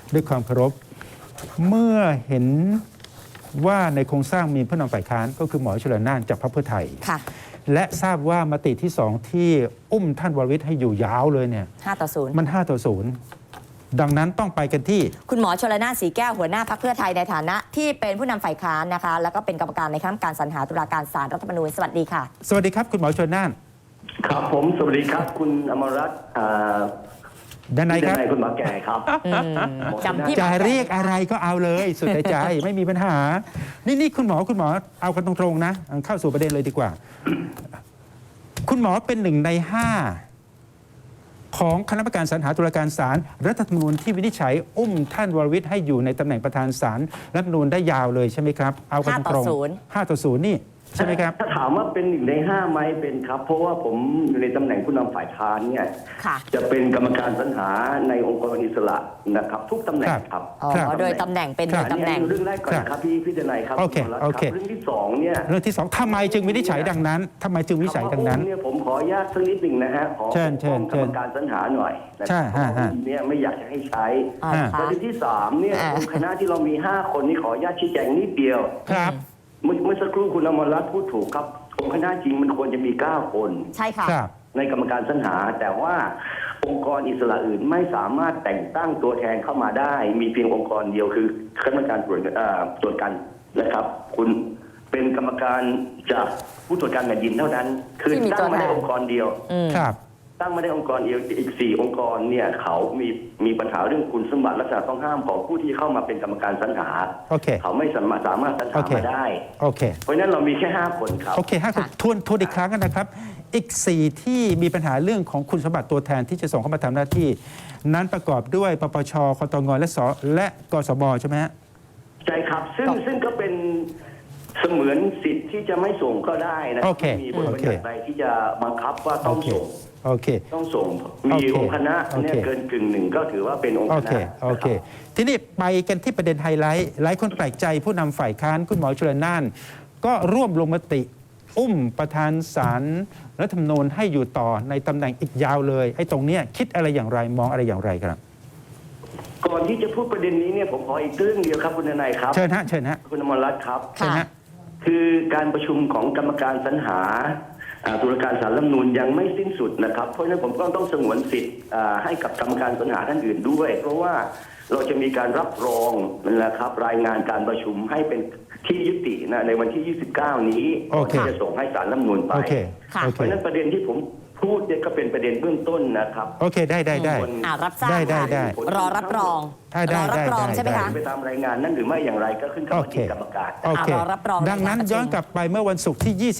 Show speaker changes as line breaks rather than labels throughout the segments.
ด้วยความเคารพเมื่อเห็นว่าในโครงสร้างมีผู้นำฝ่ายค้านก็คือหมอชลน่านจากพรรคเพื่อไทยและทราบว่ามติที่2ที่อุ้มท่านวรวิทย์ให้อยู่ยาวเลยเนี่ย
5-0
มัน5-0ดังนั้นต้องไปกันที่
คุณหมอชลน่าน สีแก้วหัวหน้าพรรคเพื่อไทยในฐานะที่เป็นผู้นำฝ่ายค้านนะคะแล้วก็เป็นกรรมการในคณะกรรมการสรรหาตุลาการศาลรัฐธรรมนูญสวัสดีค่ะ
สวัสดีครับคุณหมอชลน่าน
ครับผมสวัสดีครับคุณอมรรัตน์
ด้านในครับ
คุณหมอแก่ครับ
จะเรียกอะไรก็เอาเลยสุดใจไม่มีปัญหานี่คุณหมอเอากันตรงๆนะเข้าสู่ประเด็นเลยดีกว่าคุณหมอเป็น1 ใน 5ของคณะกรรมการสรรหาตุลาการศาลรัฐธรรมนูญที่วินิจฉัยอุ้มท่านวรวิทย์ให้อยู่ในตำแหน่งประธานศาลรัฐธรรมนูญได้ยาวเลยใช่ไหมครับเอากันตรง5-0นี่ใช่ไหมครับ
ถ้าถามว่าเป็น1 ใน 5ไหมเป็นครับเพราะว่าผมอยู่ในตำแหน่งผู้นำฝ่ายค้านเนี่ยจะเป็นกรรมการสรรหาในองค์กรอิสระนะครับทุกตำแหน่งครับ
โดยตำแหน่งเป็นโดยตำแหน่ง
เรื่องแรกก่อนครับพี่ทนายครับ
โอเค
เรื่องที่2เนี่ย
เรื่องที่2ทำไมจึงวินิจฉัยดังนั้นทำไมจึงวินิจฉัยดังนั้น
เนี่ยผมขออนุญาตสักนิดหนึ่งนะฮะขอกรรมการสรรหาหน่อยนะครับเนี่ยไม่อยากจะให้ใช้ประเด็นที่3เนี่ยคณะที่เรามี5 คนนี่ขออนุญาตชี้แจงนิดเดียว
ครับ
เมื่อสักครู่คุณอมรรัตน์พูดถูกครับองค์คณะจริงมันควรจะมี9 คน
ใช่ค่ะ
ในกรรมการสรรหาแต่ว่าองค์กรอิสระอื่นไม่สามารถแต่งตั้งตัวแทนเข้ามาได้มีเพียงองค์กรเดียวคือคณะกรรมการตรวจการนะครับคุณเป็นกรรมการจากผู้ตรวจการแผ่นดินเท่านั้นคือตั้งมาได้องค์กรเดียว
ครับ
ตั้งมาได้องค์กรเดียวอีก4 องค์กรเนี่ยเขามีปัญหาเรื่องคุณสมบัติลักษณะต้องห้ามของผู้ที่เข้ามาเป็นกรรมการสรรหาเขาไม่สามารถสรรหามาได้เพราะฉะนั้นเรามีแค่5 คนครับ
โอเค5 คนทวนอีกครั้งกันนะครับอีก4ที่มีปัญหาเรื่องของคุณสมบัติตัวแทนที่จะส่งเข้ามาทำหน้าที่นั้นประกอบด้วยปปชคตงและกสบใช่ไหมฮะ
ใช่ครับซึ่งก็เป็นเสมือนสิทธิ์ที่จะไม่ส่งก็ได้นะมีบทบัญญัติใดที่จะบังคับว่าต้องส่งต้องส่งมีองค์คณะเนี่ยเกิน1/2ก็ถือว่าเป็นองค์คณะ
โอเคทีนี้ไปกันที่ประเด็นไฮไลท์หลายคนแปลกใจผู้นำฝ่ายค้านคุณหมอชลน่านก็ร่วมลงมติอุ้มประธานศาลรัฐธรรมนูญให้อยู่ต่อในตำแหน่งอีกยาวเลยไอ้ตรงเนี้ยคิดอะไรอย่างไรมองอะไรอย่างไรครับ
ก่อนที่จะพูดประเด็นนี้เนี่ยผมขออีกเรื่องเดียวครับคุณนายครับ
เชิญฮะ
คุณอมรรัตน์ครับ
เชิญฮะ
คือการประชุมของกรรมการสรรหาตุลาการศาลรัฐธรรมนูญยังไม่สิ้นสุดนะครับเพราะฉะนั้นผมก็ต้องสงวนสิทธิ์ให้กับกรรมการสรรหาท่านอื่นด้วยเพราะว่าเราจะมีการรับรองนะครับรายงานการประชุมให้เป็นที่ยุตินะในวันที่29นี้ที่จะส่งให้ศาลรัฐธรรมนูญไปเพราะฉะนั้นประเด็นที่ผมพูดเนี่ยก็เป็นประเด็นเบื้องต้นนะครับ
โอเคได้
รับทราบ
ได้
รอรับรองใช่ไหมคะ
ไปตามรายงานนั้นหรือไม่อย่างไรก็ขึ้นกับกรรมการ
รอรับรอง
ดังนั้นย้อนกลับไปเมื่อวันศุกร์ที่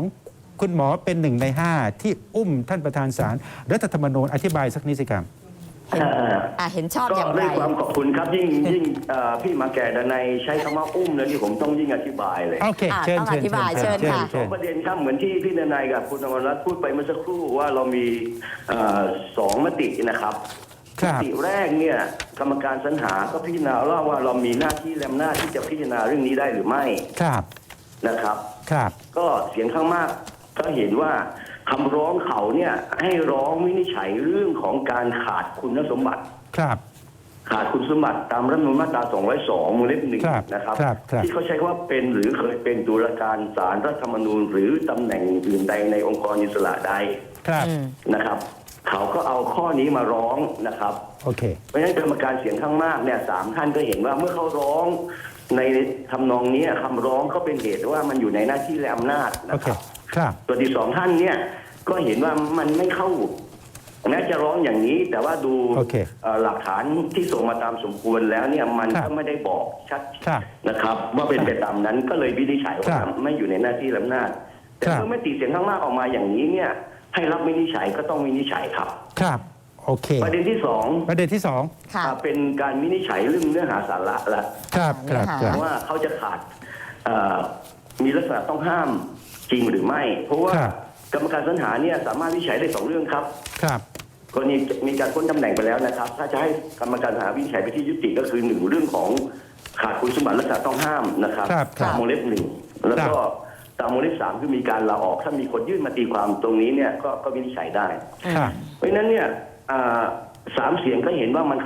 22คุณหมอเป็น1 ใน 5ที่อุ้มท่านประธานศาลรัฐธรรมนูญอธิบายสักนิดสิครับ
เห็นชอบอย่างไร
ก็ด้วยความขอบคุณครับยิ่งพี่มาแก่ดนัยใช้คำว่าอุ้มแล้วนี่ผมต้องยิ่งอธิบายเลย
โอเค
ต้องอธิบายเชิญค่ะ
ประเด็นครับเหมือนที่พี่ดนัยกับคุณอมรรัตน์พูดไปเมื่อสักครู่ว่าเรามี2 มตินะครับมติแรกเนี่ยกรรมการสรรหาก็พิจารณาว่าเรามีหน้าที่และอำนาจที่จะพิจารณาเรื่องนี้ได้หรือไม่นะครับก็เสียงข้างมากก็เห็นว่าคำร้องเขาเนี่ยให้ร้องวินิจฉัยเรื่องของการขาดคุณสมบัติขาดคุณสมบัติตามรัฐธรรมนูญมาตรา202 วงเล็บ 1นะครับที่เขาใช้ว่าเป็นหรือเคยเป็นตุลาการศาลรัฐธรรมนูญหรือตำแหน่งอื่นใดในองค์กรอิสระใดนะครับเขาก็เอาข้อนี้มาร้องนะครับเพราะฉะนั้นกรรมการเสียงข้างมากเนี่ย3 ท่านก็เห็นว่าเมื่อเขาร้องในทำนองนี้คำร้องก็เป็นเหตุว่ามันอยู่ในหน้าที่และอำนาจนะครับตัวที่2 ท่านเนี่ยก็เห็นว่ามันไม่เข้าแม้จะร้องอย่างนี้แต่ว่าดูหลักฐานที่ส่งมาตามสมควรแล้วเนี่ยมันก็ไม่ได้บอกชัดนะครับว่าเป็นไปตามนั้นก็เลยวินิจฉัยว่าไม่อยู่ในหน้าที่และอำนาจแต่เมื่อมติเสียงข้างมากออกมาอย่างนี้เนี่ยให้รับวินิจฉัยก็ต้องวินิจฉัยครับ
โอเค
ประเด็นที่2เป็นการวินิจฉัยเรื่องเนื้อหาสาระละว่าเขาจะขาดมีลักษณะต้องห้ามจริงหรือไม่เพราะว่ากรรมการสรรหาเนี่ยสามารถวินิจฉัยได้2 เรื่องครับกรณีมีการพ้นตำแหน่งไปแล้วนะครับถ้าจะให้กรรมการสรรหาวินิจฉัยไปที่ยุติก็คือ1 เรื่องของขาดคุณสมบัติลักษณะต้องห้ามนะครับตามวงเล็บ 1แล้วก็ตามวงเล็บ 3คือมีการลาออกถ้ามีคนยื่นมาตีความตรงนี้เนี่ยก็วินิจฉัยได้เพราะฉะนั้นเนี่ย3 เสียงก็เห็นว่ามันเข้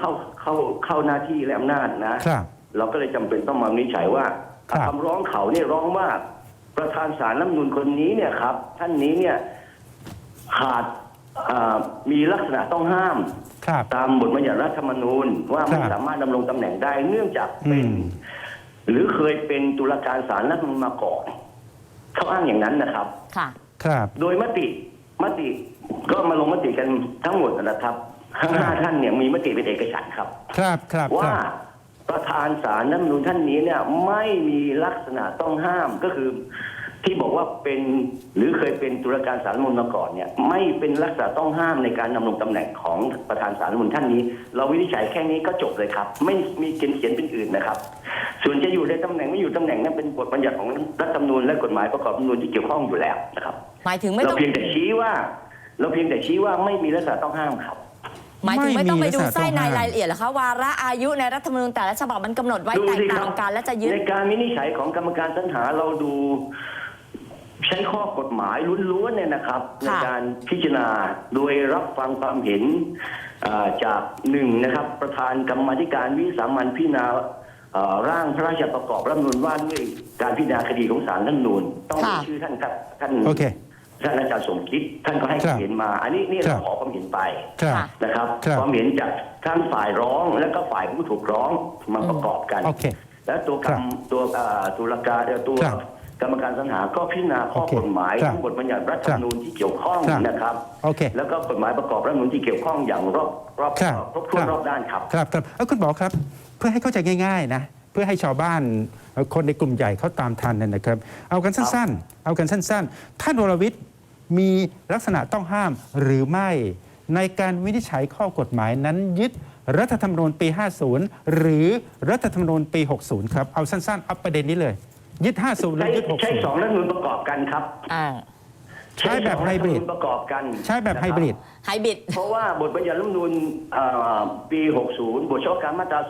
เข้าหน้าที่และอำนาจนะครับ เราก็เลยจำเป็นต้องมาวินิจฉัยว่า
ครับ
คำร้องเขาเนี่ยร้องว่าประธานศาลรัฐธรรมนูญคนนี้เนี่ยครับท่านนี้เนี่ยขาดมีลักษณะต้องห้าม
ครับ
ตามบทบัญญัติรัฐธรรมนูญว่าไม่
ครับ
สามารถดำรงตำแหน่งได้เนื่องจากเป็น หรือเคยเป็นตุลาการศาลรัฐธรรมนูญมาก่อนเขาอ้างอย่างนั้นนะครับ
ค่ะ
ครับ
โดยมติก็มาลงมติกันทั้งหมดนะครับทั้ง
ครับ
ห้าท่านเนี่ยมีมติเป็นเอกฉันท์ครับ
ครับครับค
ว่า
รับ
ประธานศาลรัฐธรรมนูญท่านนี้เนี่ยไม่มีลักษณะต้องห้ามก็คือที่บอกว่าเป็นหรือเคยเป็นตุลาการศาลรัฐธรรมนูญมาก่อนเนี่ยไม่เป็นลักษณะต้องห้ามในการดำรงตำแหน่งของประธานศาลรัฐธรรมนูญท่านนี้ เราวินิจฉัยแค่นี้ก็จบเลยครับ ไม่มีเขียนเป็นอื่นนะครับ ส่วนจะอยู่ในตำแหน่งไม่อยู่ตำแหน่งนั้นเป็นบทบัญญัติของรัฐธรรมนูญและกฎหมายประกอบรัฐธรรมนูญที่เกี่ยวข้องอยู่แล้วนะครับ
หมายถึงไม่
เรา
ต้อง
เพียงแต่ชี้ว่าไม่มีลักษณะต้องห้ามครับ
หมายถึงไม่ต้องไปดู
ไม่มีลักษณะ
ไส้ใน
ต้องห้าม
รายละเอียดเหรอคะวาระอายุในรัฐธรรมนูญแต่ละฉบับมันกำหนดไว้
ดู
แตก
สิค
ต่า
รับ
งกันและจะยึด
ในการวินิจฉัยของกรรมการสรรหาเราดูใช้ข้อกฎหมายล้วนๆเนี่ยนะครับ ในการพิจารณาโดยรับฟังความเห็นจากหนึ่งนะครับประธานกรรมาธิการวิสามัญพิจารณาร่างพระราชประกอบรัฐธรรมนูญว่าด้วยการพิจารณาคดีของศาลรัฐธรรมนูญต้องมีชื่อท่านครับท่าน
โอเค
ท่านอาจารย์สมคิดท่านก็ให้ความเห็นมา อันนี้นี่
ครั
เรา
บ
ขอความเห็นไป
ครับ
นะครับ
ครับ
ความเห็นจากทั้งฝ่ายร้องและก็ฝ่ายผู้ถูกร้องมาประกอบกัน
โอเค
แล้วตัว
ครับ
ตุลาการตัว
ครับ
กรรมการสรรหาก็พิจารณาข้อ
โอเค
กฎหมาย
ครับ
ทั้งบทบัญญัติรัฐธรรมนูญที่เกี่ยวข้อง
ครับ
นะครับ
โอเค
แล้วก็กฎหมายประกอบรัฐธรรมนูญที่เกี่ยวข้องอย่างรอบ
ครับ
ครบถ้วน
ครับ
รอบด้านครับ
ครับครับคุณหมอครับ เพื่อให้เข้าใจง่ายๆนะเพื่อให้ชาวบ้านคนในกลุ่มใหญ่เขาตามทันเนี่ยนะครับ เอากันสั้นๆ เอากันสั้นๆ ท่านวรวิทย์มีลักษณะต้องห้ามหรือไม่ในการวินิจฉัยข้อกฎหมายนั้นยึดรัฐธรรมนูญปี 50 หรือรัฐธรรมนูญปี 60 ครับเอาสั้นๆเอาประเด็นนี้เลย ยึด 50 หรือยึด
ใช้สอง
60
รัฐธรรมนูญประกอบกันครับ
อ่า
ใช้แบบไฮบริด
ใช้สองฐธมนูญประกอบกัน
ใช้แบบไฮบริด
ไฮบริด
เพราะว่าบทบัญญัติรัฐธรรมนูญปี 60 บทเฉพาะการมาตรา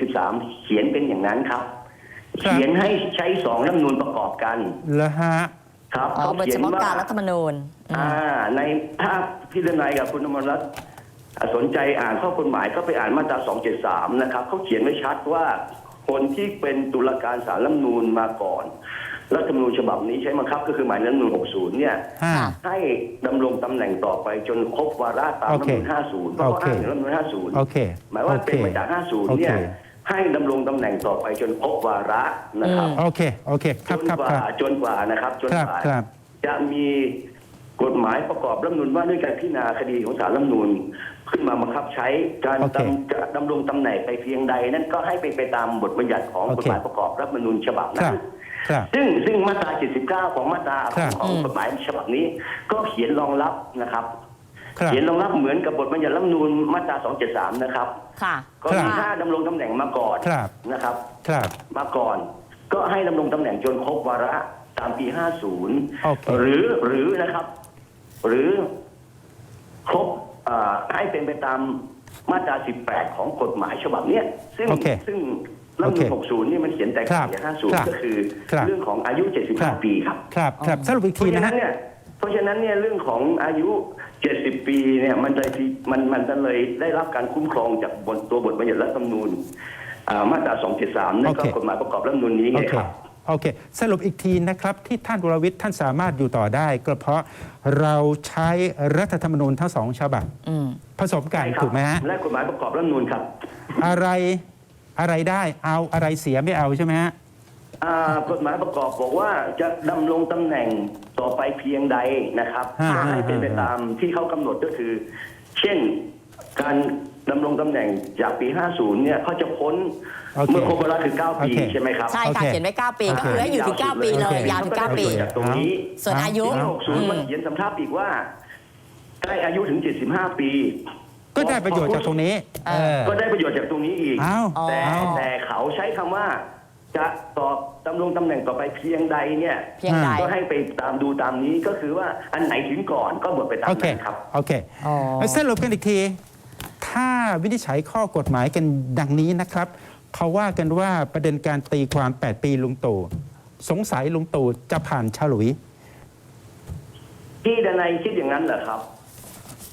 273 เขียนเป็นอย่างนั้นครับ
ครับ
เขียนให้ใช้สองรัฐธรรมนูญประกอบกัน
แล้วฮะ
ครับ
อ๋อบท
ขี
เฉ
ยน
พาะ
ว่
การรัฐธรรมนูญอืม
ในถ้าพี่ดนัยกับคุณอมรรัตน์สนใจอ่านข้อกฎหมายก็ไปอ่านมาตรา 273 นะครับเขาเขียนไว้ชัดว่าคนที่เป็นตุลาการศาลรัฐธรรมนูญมาก่อนรัฐธรรมนูญฉบับนี้ใช้บังคับก็คือหมายรัฐธรรมนูญ 60 เนี่ย
ห้า
ให้ดำรงตำแหน่งต่อไปจนครบวาระตามรัฐธรรมนูญ 50 เพราะว่าอ้างถึงรัฐธรรมนูญ
โอเค
50 หมายว่าเป็นมาจาก 50 เนี่ย
โอเค
ให้ดำรงตำแหน่งต่อไปจนครบวาระนะครับ
โอเคโอเคครับครับครับ
จนกว่านะครับจน
ครับ
กว่า
ครับ
จะมีกฎหมายประกอบรัฐธรรมนูญว่าด้วยการพิจารณาคดีของศาลรัฐธรรมนูญขึ้นมาบังคับใช้การ
โอเค
จะดำรงตำแหน่งไปเพียงใดนั้นก็ให้เป็นไปตามบทบัญญัติของ
โอเค
กฎหมายประกอบรัฐธรรมนูญฉบับ
ครั
นั้
บ
น
ครับ
ซึ่งมาตรา 79 ของมาตรา
ครับ
ของกฎหมายฉบับนี้ ก็เขียนรองรับนะครับ
ครับ
เขียนรองรับเหมือนกับบทบัญญัติรัฐธรรมนูญมาตรา 273 นะครับ
ค่ะ
ก็มีถ้าดำรงตำแหน่งมาก่อน
ครับ
นะครับ
ครับ
มาก่อน ก็ให้ดำรงตำแหน่งจนครบวาระตามปี
โอเค
50 หรือนะครับ หรือครบให้เป็นไปตามมาตรา 18 ของกฎหมายฉบับเนี้ยซึ่ง
โอเค
รัฐธรรมนูญ
โอเค
60 นี่มันเขียนแต่
ครับ
ปี
ครับ
50 ก็คือ
ครับ
เรื่องของอายุ
ครับ
75 ปีครับ
ครับครับสรุปอีก
เพ
ที
ราะฉะ
นะ
นั้
ฮะ
นเนี่ยเรื่องของอายุ 70 ปีเนี่ยมันจะเลยได้รับการคุ้มครองจากตัวบทบัญญัติรัฐธรรมนูญมาตรา 273 นั่นก็
โอเค
กฎหมายประกอบรัฐธรรมนูญนี้
โอ
ไง
เค
ครับ
โอเค สรุปอีกทีนะครับ ที่ท่านวรวิทย์ท่านสามารถอยู่ต่อได้ ก็เพราะเราใช้รัฐธรรมนูญทั้งสองฉบับ
อืม
ผสมกัน
ใช่ครับ
ถูกไหมฮะ
และกฎหมายประกอบรัฐธรรมนูญครับ
อะไรได้เอาอะไรเสียไม่เอาใช่ไหมฮะ
กฎหมายประกอบบอกว่าจะดำรงตำแหน่งต่อไปเพียงใดนะครับ
ฮะ
ก็ให้เป็นไปตามที่เขากำหนดก็คือ เช่นการดำรงตำแหน่งจากปี 50 เนี่ยเขาจะพ้น
โอเค
เมื่อครบวาระคือ 9 ปี
โอเค
ใช่ไหมครับ
ใช่
โอ
ค่ะ
เค
เขียนไว้ 9 ปี
โอเค
ก็คือให้อยู่ถึง 9 ปีเลย
โอเค
ยาวถึง 9 ปี
ก็ได้ประโยชน์จากตรงนี้
ส่วนอายุ
ปี60 มันเขียนสำทับอีกว่าได้อายุถึง 75 ปี
ก็ได้ประโยชน์จากตรงนี้
เออ
ก็ได้ประโยชน์จากตรงนี้อีก
เอา
อ๋อ
แต่เขาใช้คำว่าจะดำรงตำแหน่งต่อไปเพียงใดเนี่ย
เพียงใด
ก็ให้ไปตามดูตามนี้ก็คือว่าอันไหนถึงก่อนก็หมดไปตาม
โอเค
นั้นครับ
โอเค
อ๋อ
สรุปกันอีกที ถ้าวินิจฉัยข้อกฎหมายกันดังนี้นะครับเขาว่ากันว่าประเด็นการตีความ 8 ปีลุงตู่สงสัยลุงตู่จะผ่านฉลุย
พี่ดนัยคิดอย่างนั้นเหรอครับ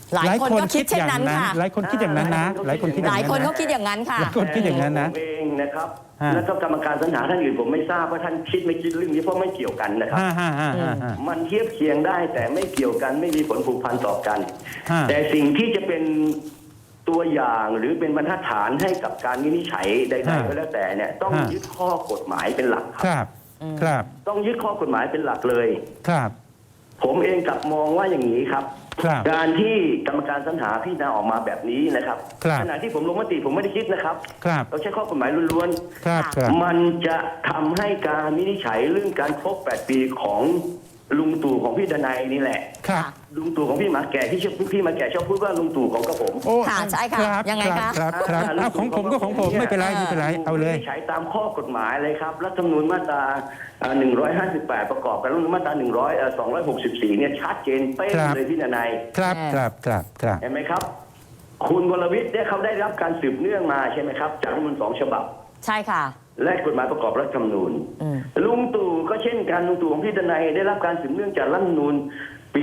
หลายคนก็คิดเช่นนั้นค่ะ
หลายคนคิดอย่างนั้นนะหลายคนคิดอ
ห
ย่าง
ลาย
นั้น
คน
นะ
เขาคิดอย่างนั้นค่ะ
หลายคนคิดอย่างนั้นนะ
ผมเองนะครับ
ฮะ
แล้วก็กรรมการสรรหาท่านอื่นผมไม่ทราบว่าท่านคิดไม่คิดเรื่องนี้เพราะไม่เกี่ยวกันนะครับ
ฮ่า
มันเทียบเคียงได้แต่ไม่เกี่ยวกันไม่มีผลผูกพันต่อกัน
ฮะ
แต่สิ่งที่จะเป็นตัวอย่างหรือเป็นบรรทัดฐานให้กับการวินิจฉัยใดๆก็แล้วแต่เนี่ยต้องยึดข้อกฎหมายเป็นหลักค
ครับ รับ ครับ
ต้องยึดข้อกฎหมายเป็นหลักเลย
ครับ
ผมเองกลับมองว่าอย่างนี้ครับ
ครับ
การที่กรรมการสรรหาพิจารณาออกมาแบบนี้นะครับ
ครับ
ขณะที่ผมลงมติผมไม่ได้คิดนะครับ
ครับ
เราใช้ข้อกฎหมายล้วน
ครับครับ
ๆมันจะทำให้การวินิจฉัยเรื่องการครบ 8 ปีของลุงตู่ของพี่ดนัยนี่แหละ
ครับ
ลุงตู่ของพี่หมาแก่ที่ชอบพี่หมาแก่ชอบพูดว่าลุงตู่ของกระผม
โอ้
ค่ะใช่ค่ะ
รับ
ยังไงคะ
ครับครับเอาของผมก็ของผมไม่เป็นไรไม่เป็นไรเอาเลย
วินิจฉัยตามข้อกฎหมายเลยครับรัฐธรรมนูญมาตรา158 ประกอบกับรัฐธรรมนูญมาตรา264เนี่ยชัดเจนเป๊ะ
ครับ
เลยพี่ดนัย
ครับครับครับครับ
เห็นไหมครับ คุณวรวิทย์เนี่ยเขาได้รับการสืบเนื่องมาใช่ไหมครับจากรัฐธรรมนูญ2 ฉบับ
ใช่ค่ะ
และกฎหมายประกอบรัฐธรรมนูญ
อืม
ลุงตู่ก็เช่นกันลุงตู่ของพี่ดนัยได้รับการสืบเนื่องจากรัฐธรรมนูญปี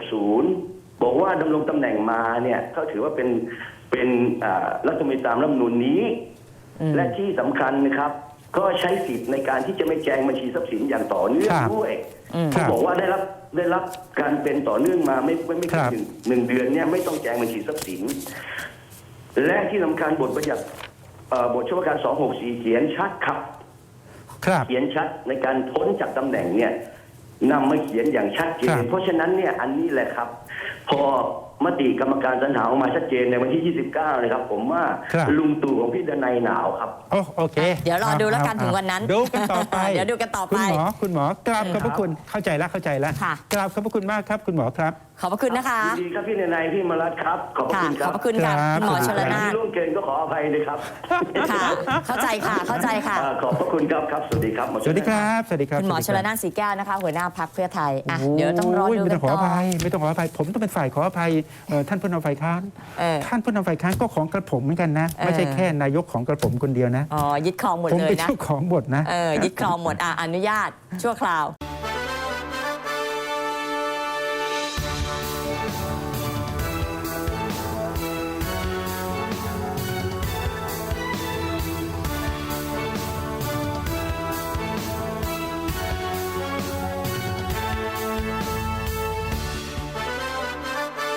60 บอกว่าดำรงตำแหน่งมาเนี่ยเขาถือว่าเป็นรัฐมนตรีตามรัฐธรรมนูญนี้ และที่สำคัญนะครับ ก็ใช้สิทธิ์ในการที่จะไม่แจงบัญชีทรัพย์สินอย่างต่อเนื่อง
ครับ
ด้วย
ครั
เขา
บ
บอกว่าได้รับการเป็นต่อเนื่องมาไม่
ครั
ถึ
บ
งหนึ่งเดือนเนี่ยไม่ต้องแจงบัญชีทรัพย์สิน และที่สำคัญบทบัญญัติบทเฉพาะการ 264 เขียนชัดครับ
ครับ
เขียนชัดในการพ้นจากตำแหน่งเนี่ยนำมาเขียนอย่างชัดเจ
ครั
น
บ
เพราะฉะนั้นเนี่ยอันนี้แหละครับ พอมติกรรมการสรรหาออกมาชัดเจนในวันที่ 29 นะครับ ผมว่า
ครับ
ลุงตู่ของพี่ดนัยหนาวครับ
โอเค
เดี๋ยวรอดูแล้วกันถึงวันนั้น
ดูกันต่อไป
เดี๋ยวดูกันต่อไป
คุณหมอกราบขอบพระคุณเข้าใจแล้วเข้าใจแล้ว
ค่ะ
กราบขอบพระคุณมากครับคุณหมอครับ
ขอบพระคุณนะคะ
ยินดีครับพี่ดนัยพี่มารัตน์ครับ ขอบพระ
ค่ะ
คุณค
ข
รั
อ
บบ
พระคุณค่ะ
ครับ
คุณหมอชลนา
ที่
ถ
ล่วงเกินก็ขออภัยเลยครับ
ค่ะ เข้าใจค่ะ เข้าใจค่ะ
ขอบพระคุณครับครับ สวัสดีครับหมอ
สวัสดีครับ สวัสดีครับ
คุณหมอชลนานสีแก้วนะคะ หัวหน้าพักเพื่อไทยอ่ะเดี๋ยวต้องรอดู
ไม่
กั
ต้
น
องขอ
ต่
อ
อ
ภัยไม่ต้องขออภัยผมต้องเป็นฝ่ายขออภัยท่านผู้นำฝ่ายค้าน
เออ
ท่านผู้นำฝ่ายค้านก็ของกระผมเหมือนกันนะ ไม่ใช่แค่นายกของกระผมคนเดียวนะ
อ๋อยึดครองหมด
ผม
เลย
เป็น
นะ
เจ้าของบทนะ
ยึดครองหมดอนุญาตชั่วคราว